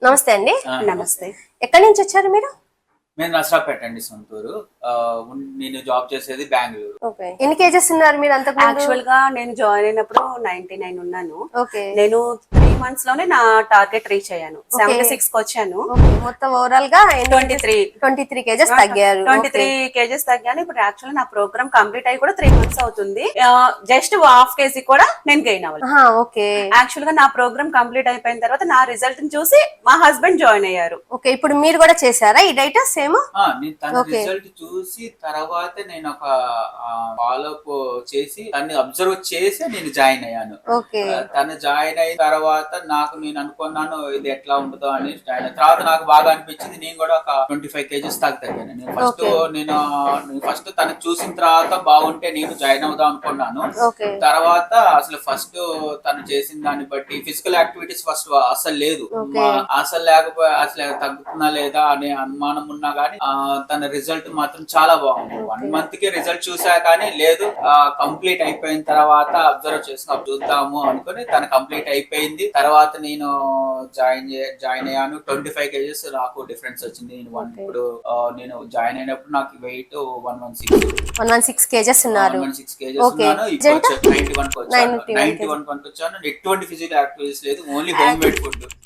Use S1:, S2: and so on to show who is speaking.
S1: నమస్తే అండి.
S2: నమస్తే.
S1: ఎక్కడి నుంచి వచ్చారు మీరు?
S2: నేను నర్సరావుపేట అండి సొంతూరు. నేను జాబ్ చేసేది బెంగళూరు.
S1: ఓకే. ఎన్ని కేజెస్ ఉన్నారు మీరు అంతకు ముందు?
S2: యాక్చువల్ గా నేను జాయిన్ అయినప్పుడు 99 ఉన్నాను.
S1: ఓకే.
S2: నేను 3 మంత్స్ లోనే నా టార్గెట్ రీచ్ అయ్యాను. 76 కి వచ్చాను.
S1: ఓకే. మొత్తం ఓవరాల్ గా
S2: 23
S1: కేజెస్ తగ్గారు.
S2: 23 కేజెస్ తగ్గాను. ఇప్పుడు యాక్చువల్ నా ప్రోగ్రామ్ కంప్లీట్ అయ్యి కూడా 3 మంత్స్ అవుతుంది. జస్ట్ హాఫ్ కేజీ కూడా నేను గెయిన్ అవ్వాలి.
S1: ఓకే.
S2: యాక్చువల్ గా నా ప్రోగ్రామ్ కంప్లీట్ అయిపోయిన తర్వాత నా రిజల్ట్ చూసి మా హస్బెండ్ జాయిన్ అయ్యారు.
S1: ఓకే. ఇప్పుడు మీరు కూడా చేశారా ఈ డైట్ సేమ్?
S2: నేను తన రిజల్ట్ చూసి తర్వాత నేను ఒక ఫాలోఅప్ చేసి తన్ని అబ్జర్వ్ చేసి నేను జాయిన్ అయ్యాను. తను జాయిన్ అయిన తర్వాత నేను అనుకున్నాను ఇది ఎట్లా ఉంటుందో అని జాయిన్ అయిన తర్వాత నాకు బాగా అనిపించింది. నేను కూడా ఒక 25 కేజెస్ దాకా తగ్గాను. నేను ఫస్ట్ తనకు చూసిన తర్వాత బాగుంటే నేను జాయిన్ అవుదాం అనుకున్నాను. తర్వాత అసలు ఫస్ట్ తను చేసిన దాన్ని బట్టి ఫిజికల్ యాక్టివిటీస్ ఫస్ట్ అసలు లేదు, అసలు లేకపోతే అసలు తగ్గుతున్నా లేదా అనే అనుమానం ఉన్నా గానీ తన రిజల్ట్ మాత్రం చాలా బాగుంది. 1 మంత్ కి రిజల్ట్ చూసా కానీ లేదు, కంప్లీట్ అయిపోయిన తర్వాత అబ్జర్వ్ చేసుకుని చూద్దాము అనుకుని తన కంప్లీట్ అయిపోయింది. తర్వాత నేను జాయిన్ అయ్యాను. 25 కేజెస్ నాకు డిఫరెన్స్ వచ్చింది. ఇప్పుడు నేను జాయిన్ అయినప్పుడు నాకు వెయిట్
S1: 116 కేజెస్ ఉన్నారు.
S2: 116 కేజెస్ ఉన్నాను. ఇప్పుడు 91 కి వచ్చాను. 91 కి వచ్చాను. ఎటువంటి ఫిజికల్ యాక్టివిటీస్ లేదు, ఓన్లీ హోమ్ మేడ్ ఫుడ్.